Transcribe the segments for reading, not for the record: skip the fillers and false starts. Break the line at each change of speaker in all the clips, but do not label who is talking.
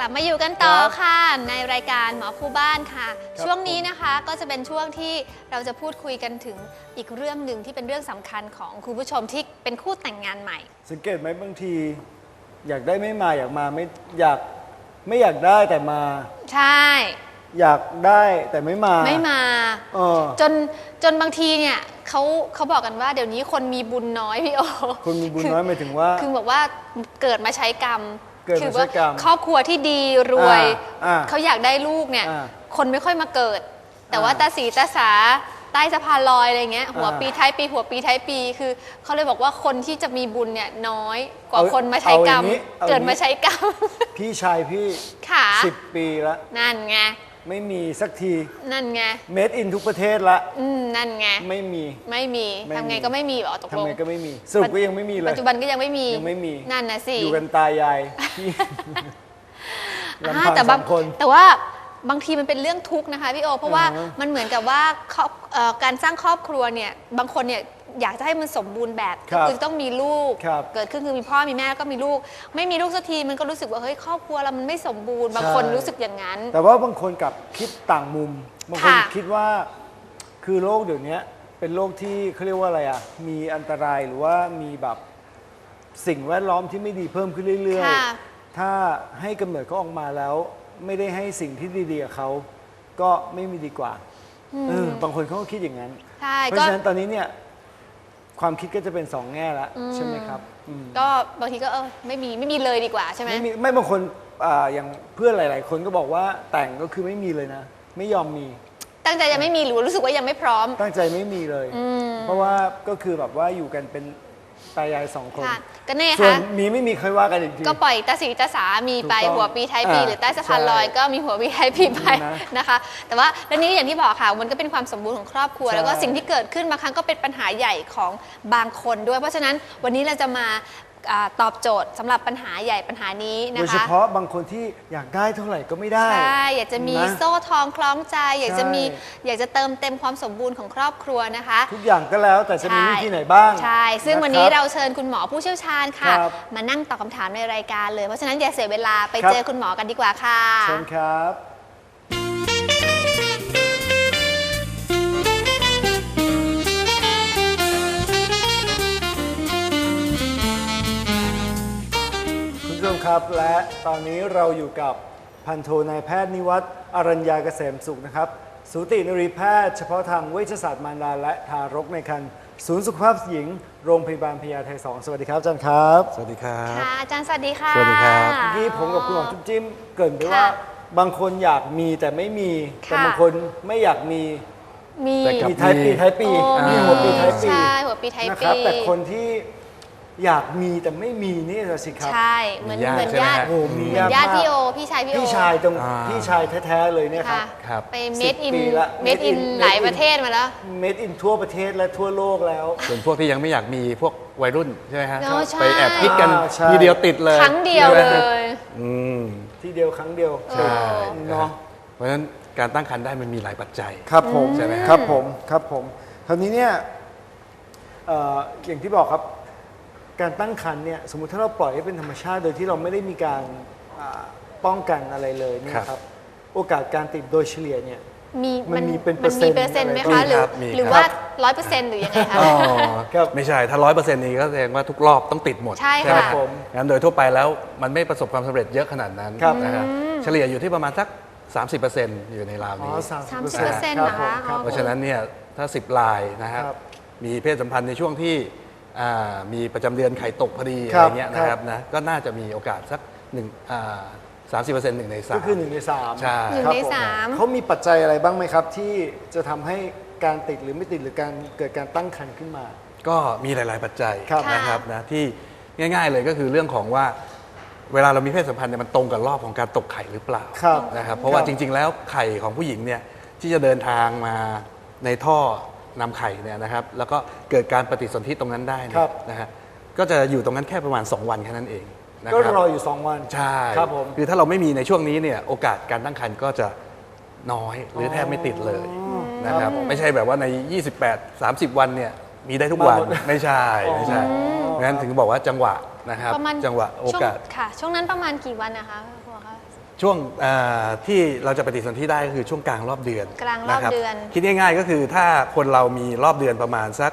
ลับมาอยู่กันต่อค่ะในรายการหมอคู่บ้านค่ะช่วงนี้นะคะก็จะเป็นช่วงที่เราจะพูดคุยกันถึงอีกเรื่องหนึ่งที่เป็นเรื่องสำคัญของคุณผู้ชมที่เป็นคู่แต่งงานใหม่
สังเกตไหมบางทีอยากได้ไม่มาอยากมาไม่อยากได้แต่มา
ใช่
อยากได้แต่ไม่มา
จนบางทีเนี่ยเขาบอกกันว่าเดี๋ยวนี้คนมีบุญน้อยพี่โอ
คนมีบุญน้อยหมายถึงว่า
คือบอกว่าเกิดมาใช้กรรมคือว่าครอบครัวที่ดีรวยเขาอยากได้ลูกเนี่ยคนไม่ค่อยมาเกิดแต่ว่าตาสีตาสาใต้สะพานลอยอะไรเงี้ยหัวปีท้ายปีหัวปีท้ายปีคือเขาเลยบอกว่าคนที่จะมีบุญเนี่ยน้อยกว่าคนมาใช้กรรมเกิดมาใช้กรรม
พี่ชายพี่10 ปีแล้ว
นั่นไง
ไม่มีสักที
นั่นไง
เมดอินทุกประเทศละ
นั่นไง
ไม่มี
ทำไงก็ไม่มีหรอตกลง
ทำไงก็ไม่มีสรุปก็ยังไม่มีเลย
ปัจจุบันก็ยังไม่มีนั่นนะสิ
อยู่กันตายาย
แต่ว่าบางทีมันเป็นเรื่องทุกข์นะคะพี่โอเพราะว่ามันเหมือนกับว่าการสร้างครอบครัวเนี่ยบางคนเนี่ยอยากจะให้มันสมบูรณ์แบบก็คือต้องมีลูกเกิดขึ้นคือมีพ่อมีแม่แล้วก็มีลูกไม่มีลูกสักทีมันก็รู้สึกว่าเฮ้ยครอบครัวเรามันไม่สมบูรณ์บางคนรู้สึกอย่างนั้น
แต่ว่าบางคนกับคิดต่างมุมบางคนคิดว่าคือโลกเดี๋ยวนี้เป็นโลกที่เขาเรียกว่าอะไรอ่ะมีอันตรายหรือว่ามีแบบสิ่งแวดล้อมที่ไม่ดีเพิ่มขึ้นเรื่อยๆถ้าให้กำเนิดเขาออกมาแล้วไม่ได้ให้สิ่งที่ดีๆกับเขาก็ไม่มีดีกว่าบางคนเขาก็คิดอย่างนั้นเพราะฉะนั้นตอนนี้เนี่ยความคิดก็จะเป็น2 แง่ละใช่ไหมครับ
ก็บางทีก็ไม่มีเลยดีกว่าใช่ไหม
ไม่บางคนอย่างเพื่อนหลายๆคนก็บอกว่าแต่งก็คือไม่มีเลยนะไม่ยอมมี
ตั้งใจจะไม่มีหรือรู้สึกว่ายังไม่พร้อม
ตั้งใจไม่มีเลยเพราะว่าก็คือแบบว่าอยู่กันเป็นตายาย2 คน
ก็แน่ค่ะ
ส่วนมีไม่มีใครว่ากันอีกที
ก็ปล่อยตาสีตาสามีไปหัวปีท้ายปีหรือใต้สะพานลอยก็มีหัวปีท้ายปีไปนะคะแต่ว่าแล้วนี้อย่างที่บอกค่ะมันก็เป็นความสมบูรณ์ของครอบครัวแล้วก็สิ่งที่เกิดขึ้นบางครั้งก็เป็นปัญหาใหญ่ของบางคนด้วยเพราะฉะนั้นวันนี้เราจะมาตอบโจทย์สำหรับปัญหาใหญ่ปัญหานี้นะคะโด
ยเฉพาะบางคนที่อยากได้เท่าไหร่ก็ไม่ได้
ใช่อยากจะมีโซ่ทองคล้องใจอยากจะเติมเต็มความสมบูรณ์ของครอบครัวนะคะ
ทุกอย่างก็แล้วแต่จะมีวิธีไหนบ้าง
ใช่ซึ่งวันนี้เราเชิญคุณหมอผู้เชี่ยวชาญค่ะมานั่งตอบคำถามในรายการเลยเพราะฉะนั้นอย่าเสียเวลาไปเจอคุณหมอกันดีกว่าค่ะ
เชิญครับครับและตอนนี้เราอยู่กับพันโทนายแพทย์นิวัฒน์อรัญญาเกษมสุขนะครับสูตินรีแพทย์เฉพาะทางเวชศาสตร์มารดาและทารกในครรภ์ศูนย์สุขภาพหญิงโรงพยาบาลพญาไท2สวัสดีครับอาจารย์ครับ
สวัสดีครับ
ค่ะอาจารย์สวัสดีค่ะ
สวัสดีครับ
เมื่อกี้ผมกับคุณหมอจุ๊บจิ้มเกริ่นไปว่าบางคนอยากมีแต่ไม่มีแต่บางคนไม่อยากมีท้ายปีมีหัวปีท้ายปี
ใช่หัวปีท้ายปี
นะครับแต่คนที่อยากมีแต่ไม่มีนี่สิครับ
ใช่เหมือนญาติพี่โอพี่ชาย
พี่ชายแท้ๆเลยเนี่ย
ครับไปเมดอินหลายประเทศมาแล้ว
เมดอินทั่วประเทศและทั่วโลกแล้ว
ส่วนพวกที่ยังไม่อยากมีพวกวัยรุ่นใช่ไหมครับไปแอบคิดกันทีเดียวติดเลย
ครั้งเดียวเลย
ทีเดียวครั้งเดียว
ใช่เนาะเพราะฉะนั้นการตั้งครรภ์ได้มันมีหลายปัจจัย
ครับผม
ใช่ไหม
ครับผมคราวนี้เนี่ยอย่างที่บอกครับการตั้งครรภ์เนี่ยสมมุติถ้าเราปล่อยให้เป็นธรรมชาติโดยที่เราไม่ได้มีการป้องกันอะไรเลยเนี่ยครับโอกาสการติดโดยเฉลี่ยเนี่ยมันมีเป็นเปอร์เซ็นต์
ไหมคะหรือว่า100%หรือยังไงคะ
ไม่ใช่ถ้า100%นี้ก็แสดงว่าทุกรอบต้องติดหมด
ใช่ค่ะ
งั้นโดยทั่วไปแล้วมันไม่ประสบความสำเร็จเยอะขนาดนั้นนะครับเฉลี่ยอยู่ที่ประมาณสัก30%อยู่ในราวนี้
30%นะคะ
เพราะฉะนั้นเนี่ยถ้า10 รายนะครับมีเพศสัมพันธ์ในช่วงที่มีประจำเดือนไข่ตกพอดีอะไรเงี้ยนะครับนะก็น่าจะมีโอกาสสัก30% 1 ใน 3
ก็คือ1 ใน 3
ใช่
1 ใน 3
เขามีปัจจัยอะไรบ้างไหมครับที่จะทำให้การติดหรือไม่ติดหรือการเกิดการตั้งครรภ์ขึ้นมา
ก็มีหลายๆปัจจัยนะครับนะที่ง่ายๆเลยก็คือเรื่องของว่าเวลาเรามีเพศสัมพันธ์เนี่ยมันตรงกับรอบของการตกไข่หรือเปล่านะครับเพราะว่าจริงๆแล้วไข่ของผู้หญิงเนี่ยที่จะเดินทางมาในท่อนำไข่เนี่ยนะครับแล้วก็เกิดการปฏิสนธิตรงนั้นได้นะฮะก็จะอยู่ตรงนั้นแค่ประมาณ2 วันแค่นั้นเอง
ก็รออยู่2 วัน
ใช่ครับผมคือถ้าเราไม่มีในช่วงนี้เนี่ยโอกาสการตั้งครรภ์ก็จะน้อยหรือแทบไม่ติดเลยนะครับไม่ใช่แบบว่าใน28-30 วันเนี่ยมีได้ทุกวันไม่ใช่งั้นถึงบอกว่าจังหวะนะครับจังหวะโอกาส
ค่ะช่วงนั้นประมาณกี่วันนะคะพ่อคะ
ช่วงที่เราจะปฏิสนธิได้ก็คือช่วงกลางรอบเดือน
กลางรอบเดือน
คิดง่ายๆก็คือถ้าคนเรามีรอบเดือนประมาณสัก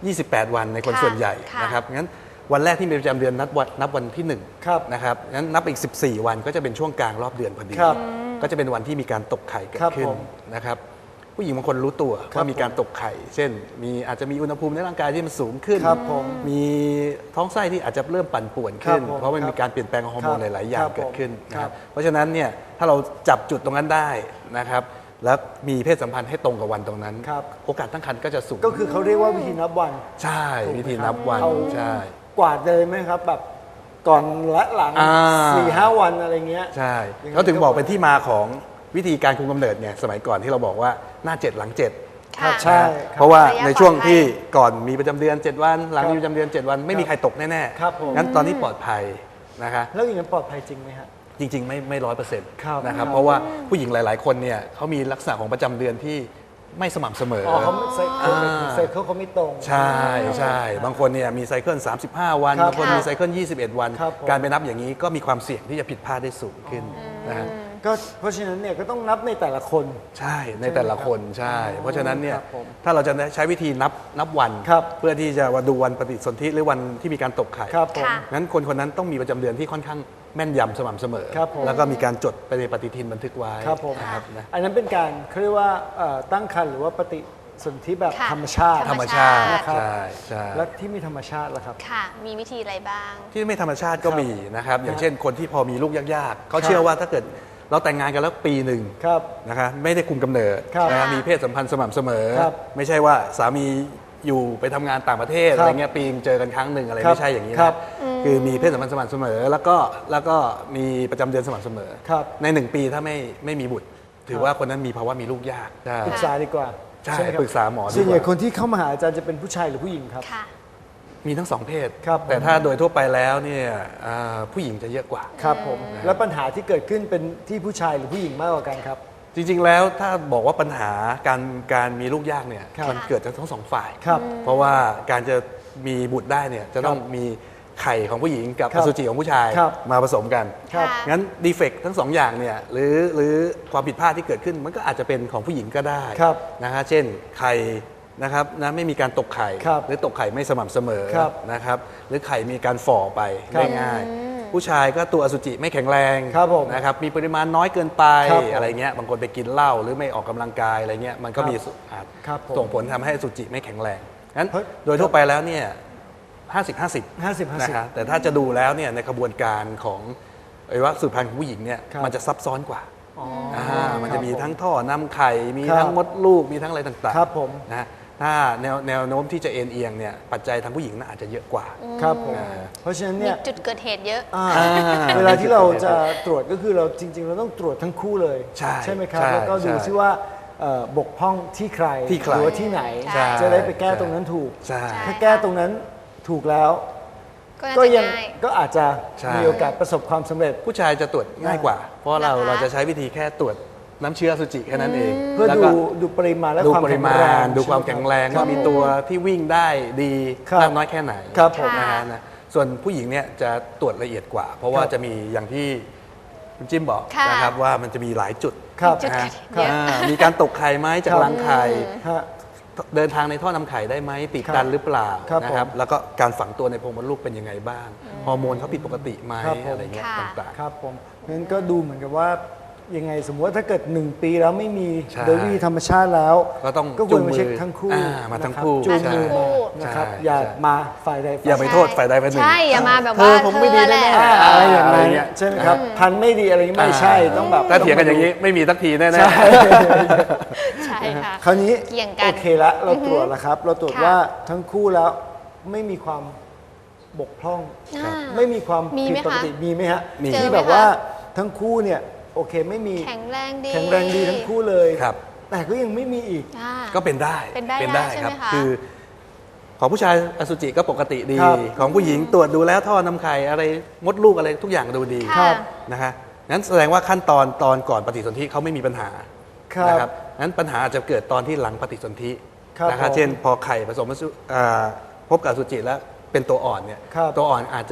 28 วันในคน
ค่ะ
ส่วนใหญ่
ค่ะ
นะครับงั้นวันแรกที่มีประจำเดือนนับวันที่1
ครับ
นะครับงั้นนับอีก 14 วันก็จะเป็นช่วงกลางรอบเดือนพอดี
ครับ
ก็จะเป็นวันที่มีการตกไข่เกิ
ครั
ด
บ
ขึ้น
ผม
นะครับผู้หญิงบางคนรู้ตัว
ครับ
ว่ามีการตกไข่ เช่นอาจจะมีอุณหภูมิในร่างกายที่มันสูงขึ้น
ครับผม
มีท้องไส้ที่อาจจะเริ่มปั่นป่วนขึ้น
ครับผม
เพราะมันมีการเปลี่ยนแปลงของฮอร์โมน
ครับ
หลายๆ อย่า
ค
ง
รับ
เกิดขึ้นนะค
ครั
รับบ เพราะฉะนั้นเนี่ยถ้าเราจับจุดตรงนั้นได้นะครับแล้วมีเพศสัมพันธ์ให้ตรงกับวันตรงนั้น
ครับ
โอกาสตั้งครรภ์ก็จะสูง
ก็คือเขาเรียกว่าวิธีนับวัน
ใช่วิธีนับวัน
เอา
ใช่
กวาดเลยไหมครับแบบก่อนและหลัง
อ่า
4-5 วันอะไรเงี้ย
ใช่
อย่างนั้น
เขาถึงบอกเป็นที่มาของวิธีการคุมกำเนิดเนี่ยสมัยก่อนที่เราบอกว่าหน้า 7 หลัง 7
ค่ะ
ใช่
เพราะว่า
ระยะ
ในช่วง
ปลอดภัย
ที่ก่อนมีประจำเดือน 7 วันหลัง
ครับ
มีประจำเดือน 7 วันไม่มีใครตกแน่
ครับผม
งั้นตอนนี้ปลอดภัยนะคะ
แล้วอย่างนั้นปลอดภัยจริงไหมฮะ
จริงๆไม่100%
ครับ
นะครับ
ครับ
เพราะว่าผู้หญิงหลาย ๆ คนเนี่ยเขามีลักษณะของประจำเดือนที่ไม่สม่ำเสมอ
อ๋อเขาไม่ไซเคิล
อ่า
ไซเคิลเขาไม่ตรง
ใช่ใช่บางคนเนี่ยมีไซเคิล35 วัน
ครับ
บางคนมีไซเคิล21 วัน
ครับผม
การไปนับอย่างนี้ก็มีความเสี่ยงที่จะผิดพลาดได้สูงขึ้นนะฮะ
ก็เพราะฉะนั้นเนี่ยก็ต้องนับในแต่ละคน
ใช่ในแต่ละคนใช่ เพราะฉะนั้นเนี่ย
ครับผม
ถ้าเราจะใช้วิธีนับวัน
ครับ
เพื่อที่จะดูวันปฏิสนธิหรือวันที่มีการตกไข่
ครับผม
ค่ะ
งั้นคนคนนั้นต้องมีประจำเดือนที่ค่อนข้างแม่นยำสม่ำเสมอ
ครับผม
แล้วก็มีการจดไปในปฏิทินบันทึกไว้
ครับผม
นะครับนะ
อันนั้นเป็นการเขาเรียกว่าตั้งครรภ์หรือว่าปฏิสนธิแบบ
ค่ะ
ธรรมชาติ
ธรรมชาติ
นะครับ
ใช่ใช่
และที่มีธรรมชาติล่ะครับ
ค่ะ มีวิธีอะไรบ้าง
ที่ไม่ธรรมชาติก็มีนะครับอย่างเช่นคนที่พอมีลูกยากๆเขา
ครับ
เชื่อว่าถ้าเกิดเราแต่งงานกันแล้วปีหนึ่ง
ครับ
นะคะไม่ได้คุมกำเนิด
ครับ
นะครับมีเพศสัมพันธ์สม่ำเสมอ
ครับ
ไม่ใช่ว่าสามีอยู่ไปทำงานต่างประเทศ
ครับ
อะไรเงี้ยปีนึงเจอกันครั้งหนึ่งอะไร
ครับ
ไม่ใช่อย่างนี้
ครั
นะ
บ
คือมีเพศสัมพันธ์สม่ำเสมอแล้วก็มีประจำเดือนสม่ำเสมอ
ครับ
ใน1 ปีถ้าไม่มีบุตร ถือว่าคนนั้นมีภาวะมีลูกยากใช่
ปรึกษาดีกว่า
ใช่
ไหมครับ
ปรึกษาหมอดีกว่า
ส่วนใหญ่คนที่เข้ามาหาอาจารย์จะเป็นผู้ชายหรือผู้หญิงครับ
ค่ะ
มีทั้งสองเพศ
ครับ
แต่ถ้าโดยทั่วไปแล้วเนี่ยผู้หญิงจะเยอะกว่า
ครับผม แล้วปัญหาที่เกิดขึ้นเป็นที่ผู้ชายหรือผู้หญิงมากกว่ากันครับ
จริงๆ แล้วถ้าบอกว่าปัญหาการมีลูกยากเนี่ย
ครับ
มันเกิดจากทั้งสองฝ่าย
ครับ
เพราะว่าการจะมีบุตรได้เนี่ยจะต้องมีไข่ของผู้หญิงกับ
ครั
อบ สุจิของผู้ชาย
ครับ
มาผสมกัน
ครับ
ค่ะ
งั้นดีเฟกทั้งสองอย่างเนี่ยหรือความผิดพลาดที่เกิดขึ้นมันก็อาจจะเป็นของผู้หญิงก็ได้
ครับ
นะฮะเช่นไข่นะครับนะไม่มีการตกไข่
ครับ
หรือตกไข่ไม่สม่ำเสมอ
ครับ
นะครับหรือไข่มีการฝ่อไป
ครับ
ได้ง่าย ผู้ชายก็ตัวอสุจิไม่แข็งแรง
ครับผม
นะครับมีปริมาณน้อยเกินไป
ครับผม
อะไรเงี้ยบางคนไปกินเหล้าหรือไม่ออกกำลังกายอะไรเงี้ยมันก็
ครับ
มีอาจ
ครับผม
ส่งผลทำให้อสุจิไม่แข็งแรงงั้น
เพราะ
โดยทั่วไปแล้วเนี่ย50-50
50-50
นะครับแต่ถ้าจะดูแล้วเนี่ยในกระบวนการของอวัยวะสืบพันธุ์ของผู้หญิงเนี่ย
ครับ
มันจะซับซ้อนกว่า
อ๋อ
มันจะมี
ครับ
ทั้งท่อนำไข่มี
ครับ
ทั้งมดลูกมีทั้งอะไรต่างๆ
ครับผม
นะฮะถ้าแนวโน้มที่จะเอ็นเอียงเนี่ยปัจจัยทางผู้หญิงน่าอาจจะเยอะกว่า
ครับผม
อ่า
เพราะฉะนั้น
มี
เนี่ย
จุดเกิดเหตุเยอะ
เวลาที่เราจะตรวจก็คือเราจริง ๆ เราต้องตรวจทั้งคู่เลย
ใช่
ไหมครับ
ใช่
แล้วก็ดู
ใช่
ซิว่าบกพร่องที่ใคร
ที่ใคร
หรือว่าที่ไหน
ใช่
จะได้ไปแก้ตรงนั้นถูก
ใช่
ถ้าแก้ตรงนั้นถูกแล้ว
ก็น่า
ก็
จะ
ยัง
ง่าย
ก็อาจจะ
ใช่
มีโอกาสประสบความสำเร็จ
ผู้ชายจะตรวจง่ายกว่า เพราะเรา
นะคะ
เราจะใช้วิธีแค่ตรวจน้ำเชื้ออสุจิแค่นั้นเอง
เพื่อ
แล้ว
ดู
ก็
ดูปริมาณและ
ดู
ความ
ปริ
แข็ง
มา
แรง
ณดูความแข็งแรง
ค
ว่า
บ
มีตัวที่วิ่งได้ดี
ครับ
มากน้อยแค่ไหน
ครับผม
นะฮะนะส่วนผู้หญิงเนี่ยจะตรวจละเอียดกว่า เพราะว่า
ครับ
จะมีอย่างที่คุณจิ้มบอก
ค่ะ
นะครับว่ามันจะมีหลายจุด
ครับ
จุด
นะฮะ
เยอะ
มีการตกไข่ไหมจาก
ครับ
รังไข่
ฮะ
เดินทางในท่อนำไข่ได้ไหมติด
ครับ
ตันหรือเปล่า
ครับ
นะครับ
ผม
แล้วก็การฝังตัวในโพรงมดลูกเป็นยังไงบ้างฮอร์โมนเขาผิดปกติไหม
ครับผม
อะไรเงี้ย
ค่ะ
ต่างๆ
ครับผมงั้นก็ดูเหมือนกับว่ายังไงสมมติว่าถ้าเกิด 1 ปีแล้วไม่มี
ใช่
โดยวิธีธรรมชาติแล้ว
ก็ต้อง
ก็ควรมาเช็คทั้งคู่
มาทั้ง
นะครับ
คู่
จูงมือ
ใช่
มานะครับ
ใช่
อย่า
ใช่
มาฝ่ายใดฝ่าย
อย่าไปโทษฝ่ายใดฝ่ายหนึ่ง
ใช่ อย่ามาแบบ
เธ
ว่า
อผมไม่ดี
เธอแหละ
แน่
อ่าอะไรอย่าง
อะไร
นั้น
เงี้ย
ใช่ไหมครับ พันไม่ดีอะไรไม่ใช่ต้องแบบ
ถ้าเถียงกันอย่างนี้ไม่มีสักทีแน่
ใช่
ใช่ค่ะ
คราวนี้
เกี่ยงกัน
โอเคละเราตรวจแล้วครับ เราตรวจ
ค่ะ
ว่าทั้งคู่แล้วไม่มีความบกพร่อง
อ่า
ไม่มีความ
มี
ผิ
ไหม
ดปกติ
คะ
มีไหมฮะ
มี
เจอ
ที่
ไหม
แบบ
คะ
ว่าทั้งคู่เนี่ยโอเคไม่มี
แข็งแรงดี
แข็งแรงดีทั้งคู่เลย
ครับ
แต่ก็ยังไม่มีอีก
อ่า
ก็เป็นได้
เป็นได้ใช่ไหม
ครับ
คะ
คือของผู้ชายอสุจิก็ปกติดี
ครับ
ของผู้หญิงตรวจดูแล้วท่อนำไข่อะไรมดลูกอะไรทุกอย่างดูดี
ค่ะ
นะฮะงั้นแสดงว่าขั้นตอนก่อนปฏิสนธิเขาไม่มีปัญหา
ครับ
นะครับงั้นปัญหาอาจจะเกิดตอนที่หลังปฏิสนธิ
ครับ
นะครับ
ผม
เช่นพอไข่ผสมพบกับอสุจิแล้วเป็นตัวอ่อนเนี่ย
ครับ
ตัวอ่อนอาจจะ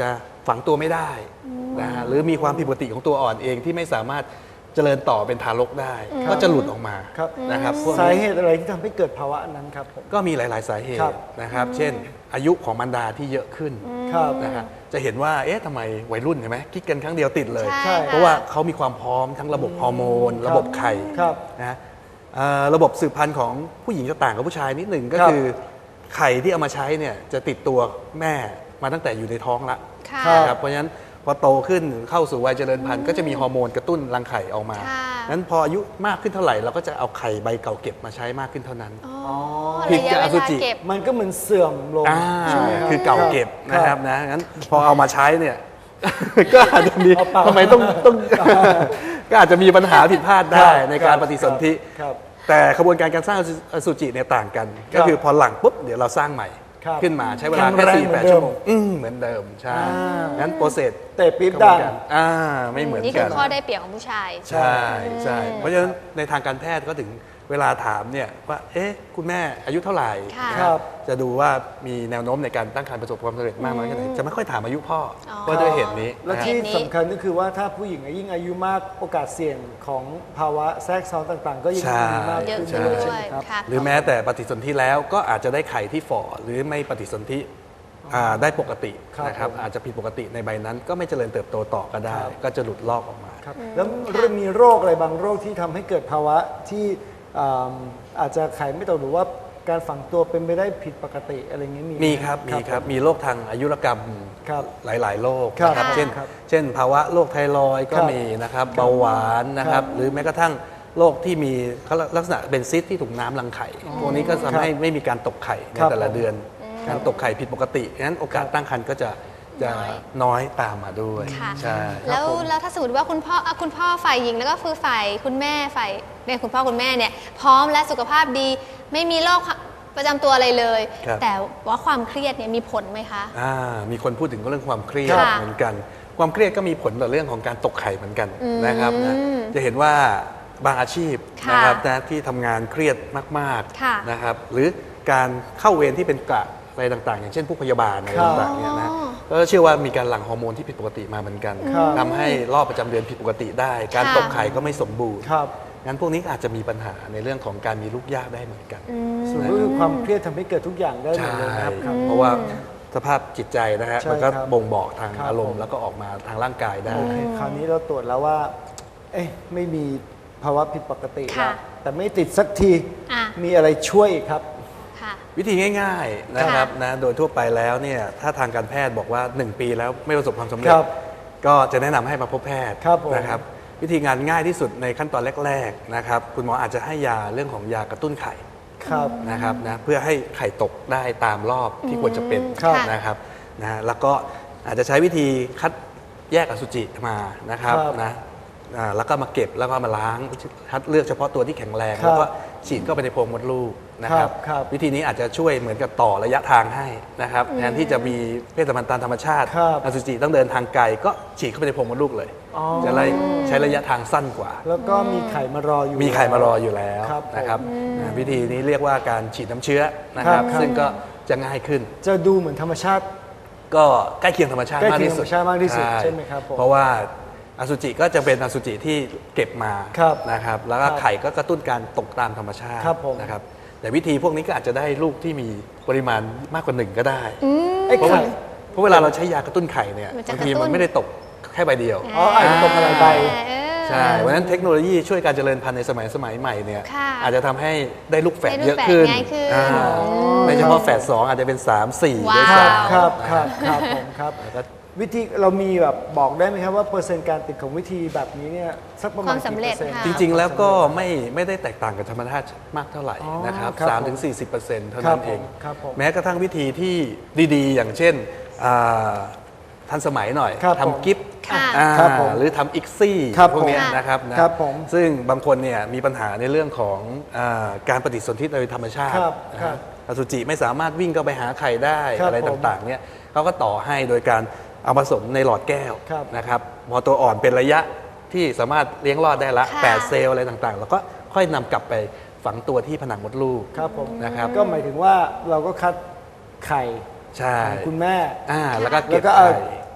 ฝังตัวไม่ได้นะฮะหรือมีความผิดปกติของตัวอ่อนเองที่ไม่สามารถเจริญต่อเป็นทารกได้ ก็จะหลุดออกมา
ครับ
นะครับพวก
สา
นี้
เหตุอะไรที่ทำให้เกิดภาวะนั้นครับผม
ก็มีหลาย ๆ สาเห
ครั
ตุ
บ
นะครับ เช่น อายุของมารดาที่เยอะขึ้น
ครับ
นะครับจะเห็นว่าเอ๊ะทำไมวัยรุ่นเห็นไหมกิ๊กกันครั้งเดียวติดเลย
ใช่
เพราะว่าเขามีความพร้อมทั้งระบบฮอร์โมน ระบบไข่
ครับ
นะฮะระบบสืบพันธุ์ของผู้หญิงจะต่างกับผู้ชายนิดหนึ่งก็
ครับ
คือไข่ที่เอามาใช้เนี่ยจะติดตัวแม่มาตั้งแต่อยู่ในท้องละ
ค่ะ
นะครับเพราะฉะนั้นพอโตขึ้นเข้าสู่วัยเจริญพันธุ์ก็จะมีฮอร์โมนกระตุ้นรังไข่ออกมา
ค่ะ
นั้นพออายุมากขึ้นเท่าไหร่เราก็จะเอาไข่ใบเก่าเก็บมาใช้มากขึ้นเท่านั้น
อ๋อ
ผิด
ระยะ
กับอ
เว
สุ
ลา
จิ
เก็บ
มันก็เหมือนเสื่อมลงใช่ไหมรับ
คือเก่าเก็บ
ครับ
นะครับนะงั้นพอเอามาใช้เนี่ย ก็อาจจะมี
เอาเปล่า
ทำไมต้อง ก็อาจจะมีปัญหาผิดพลาดได้ในการปฏิสนธิ
ครับ
แต่กระบวนการการสร้างอสุจิเนี่ยต่างกัน ก็คือพอหลังปุ๊บเดี๋ยวเราสร้างใหม่
ครับ
ขึ้นมาใช้เวลาแค่
แข็งแรง
4-8 ชั่วโมงเหมือนเดิมใช่
อ่างั้
งั้นโปรเซส
เตะปี๊บ
กระบวน
ดัง
การไม่เหมือน
นี่
กั
คื
น
อข้อได้เปรียบของผู้ชาย
ใช่ใช่เพราะฉะนั้นในทางการแพทย์ก็ถึงเวลาถามเนี่ยว่าเอ๊ะคุณแม่อายุเท่าไหร่
ค่ะ
นะครับ จะดูว่ามีแนวโน้มในการตั้งครรภ์ประสบความสำเร็จมากน้อยแค่ไหนจะไม่ค่อยถามอายุพ่ออ
อ
เพราะด้วยเหตุนี้
และ
นะฮะ
ที่
เหตุนี้
สำคัญก็คือว่าถ้าผู้หญิงยิ่งอายุมากโอกาสเสี่ยงของภาวะแทรกซ้อนต่างๆ ก็ยิ่ง
ใช่
มีมาก
เยอะ
ขึ้น
ขึ้น
ด้วย
ด้
ใช่
ว
ไหม
ย
ครับ
ค่ะ
หรือแม้แต่ปฏิสนธิแล้วก็อาจจะได้ไข่ที่ฝ่อหรือไม่ปฏิสนธิได้ปกติ
ครับ
นะครับ
ผม
อาจจะผิดปกติในใบนั้น ก็ไม่เจริญเติบโตต่อก็ได้
ครับ
ก็จะหลุดลอกออกมา
ครับแล้วมีโรคอะไรบางโรคที่ทำให้เกิดภาวะที่อาจจะไข่ไม่ตกหรือว่าการฝังตัวเป็นไปได้ผิดปกติอะไรเงี้ยมีไห
มีครับมีครับมีโรคทางอายุรกรรม
ครับ
หลาย ๆ โรค
ครับ
นะครับ
ครับ
เช่น
ครับ
เช่น ภาวะโรคไทรอยด์ก็
ครับ
มีนะครับเบาหวานนะครับ
ครับ
หรือแม้กระทั่งโรคที่มีลักษณะเป็นซิสที่ถุงน้ำรังไข่พวกนี้ก็ทำให้ไม่มีการตกไข่ใน
ครับ
แต่ละเดือน
ครั
กา
บ
รตกไข่ผิดปกติงั้นโอกาสตั้งครรภ์ก็จะน้อยตามมาด้วย
ค่ะ
ใช่
แล้วถ้าสมมติว่าคุณพ่อฝ่ายหญิงแล้วก็คือฝ่ายคุณแม่ฝ่ายเนี่ยคุณพ่อคุณแม่เนี่ยพร้อมและสุขภาพดีไม่มีโรคประจำตัวอะไรเลย
ครับ
แต่ว่าความเครียดเนี่ยมีผลไหมคะ
มีคนพูดถึงเรื่องความเครียด
ค่ะ
เหมือนกัน ความเครียดก็มีผลต่อเรื่องของการตกไข่เหมือนกันนะครับนะจะเห็นว่าบางอาชีพ
ค่ะ
นะครับนะที่ทำงานเครียดมาก
ค่ะ
ๆนะครับหรือการเข้าเวรที่เป็นกะอะไรต่างๆ อย่างเช่นผู้พยาบาลอะไร
ครับ
ต่างๆเนี่ยนะก็เชื่อว่ามีการหลั่งฮอร์โมนที่ผิดปกติมาเหมือนกัน
ครับ
ทำให้รอบประจำเดือนผิดปกติได้ การ
ค่ะ
ตกไข่ก็ไม่สมบูรณ์
ครับ
งั้นพวกนี้อาจจะมีปัญหาในเรื่องของการมีลูกยากได้เหมือนกัน
ส่วนก็คือความเครียดทำให้เกิดทุกอย่างได้หมด
ใช่
เลยนะครับครับ
เพราะว่าสภาพจิตใจนะฮะ
ใช่
มันก็
ครับ
บ่งบอกทาง
ครับ
อารม
ผ
ณ์
ม
แล้วก็ออกมาทางร่างกายได้
โอเคคราวนี้เราตรวจแล้วว่า เอ๊ะไม่มีภาวะผิดปกติ
ค่ะ
แล้วแต่ไม่ติดสักที
อ่ะ
มีอะไรช่วยอีกครับ
ค่ะ
วิธีง่ายๆนะครับนะโดยทั่วไปแล้วเนี่ยถ้าทางการแพทย์บอกว่า 1 ปีแล้วไม่ประสบความสำเร็จ
ครับ
ก็จะแนะนำให้มาพบแพทย์
ครับผม
นะครับวิธีงานง่ายที่สุดในขั้นตอนแรกๆนะครับคุณหมออาจจะให้ยาเรื่องของยากระตุ้นไข่
ครับ
นะครับนะเพื่อให้ไข่ตกได้ตามรอบที่ควรจะเป็น
ครับ
นะครับนะแล้วก็อาจจะใช้วิธีคัดแยกอสุจิมานะครับ
ครับ
นะแล้วก็มาเก็บแล้วก็มาล้างคัดเลือกเฉพาะตัวที่แข็งแรง
ครับ
แล้วก็ฉีดเข้าไปในโพรงมดลูกนะครับ
ครับ
วิธีนี้อาจจะช่วยเหมือนกับต่อระยะทางให้นะครับแทนที่จะมีเพศสัมพันธ์ตามธรรมชาติ
ครับ
อสุจิต้องเดินทางไกลก็ฉีดเข้าไปในโพรงมดลูกเลย
อ๋อ
จะได้ใช้ระยะทางสั้นกว่า
แล้วก็มีไข่มารออยู่
มีไข่มารออยู่แล้ว
ครับ
นะครับวิธีนี้เรียกว่าการฉีดน้ำเชื้อนะครับ
ครับ
ซึ่งก็จะง่ายขึ้น
จะดูเหมือนธรรมชาติ
ก็ใกล้เคียงธรรมชาติ
ใกล้
มาก
เคียง
ที่สุด
ธรรมชาติมากที่สุดใช่ไหมครับผม
เพราะว่าอสุจิก็จะเป็นอสุจิที่เก็บมา
ครับ
นะครับแล้วก็
ครับ
ไข่ก็กระตุ้นการตกตามธรรมชาติ
ครับผม
นะครับแต่วิธีพวกนี้ก็อาจจะได้ลูกที่มีปริมาณมากกว่า1ก็ได้
ไอ้
เพราะว่า
ไข่
เพราะเวลาเราใช้ยากระตุ้นไข่เนี่ย
มันจะ
บางที
กระตุ้
มัน นไม่ได้ตกแค่ใบเดียว
อ๋ออาจจะตกอะไรใบ
ใช่เพราะฉะนั้นเทคโนโลยีช่วยการเจริญพันธุ์ในสมัยใหม่เนี่ย
ค่ะ
อาจจะทำให้ได้ลูกแฝด
ได้ลูก
เยอะขึ้น
แฝดง่ายขึ้น
อ่าไม่เฉพาะแฝด2อาจจะเป็น 3 4ด้วย
ว้าว
ซ้ำ
ครับครับครับผมครับ
แล้วก็
วิธีเรามีแบบบอกได้ไหมครับว่าเปอร์เซ็นต์การติดของวิธีแบบนี้เนี่ยสักประมาณ
ความสำเร็จ
กี่ปอร์ซ็นต์
ค่ะ
จริงๆ แล้วก็ไม่ได้แตกต่างกับธรรมชาติมากเท่าไหร่
อ๋อ
นะครับ
ครับ
3-40%เท่า
ครั
นั้
บ
นเอง
ผมครับผม
แม้กระทั่งวิธีที่ดีๆ อย่างเช่นทันสมัยหน่อย
ครับผม
ทำกิฟต์
ค่ะ
ครับผม
หรือทำอิกซี่
ครับ
พวกเนี้ย
ผม
นะครับนะครับ
ผม
ซึ่งบางคนเนี่ยมีปัญหาในเรื่องของการปฏิสนธิโดยธรรมชาติ
ครับ
นะ
ครั
ฮะ
บ
อสุจิไม่สามารถวิ่งเข้าไปหาไข่ได้
ครับ
อะไร
ผม
ต่างๆเนี่ยเขาก็ต่อให้โดยการเอาผสมในหลอดแก้ว
ครับ
นะครับพอตัวอ่อนเป็นระยะที่สามารถเลี้ยงรอดได้ละ
ค่ะ
8 เซลล์อะไรต่างๆ แล้วก็ค่อยนำกลับไปฝังตัวที่ผนังมดลูก
ครับผม
นะครับ
ก็หมายถึงว่าเราก็คัดไข่
ใช่
ของคุณแม่
แล้วก็เก็บ
แล้วก็เอา
ไข่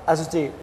อสุจิ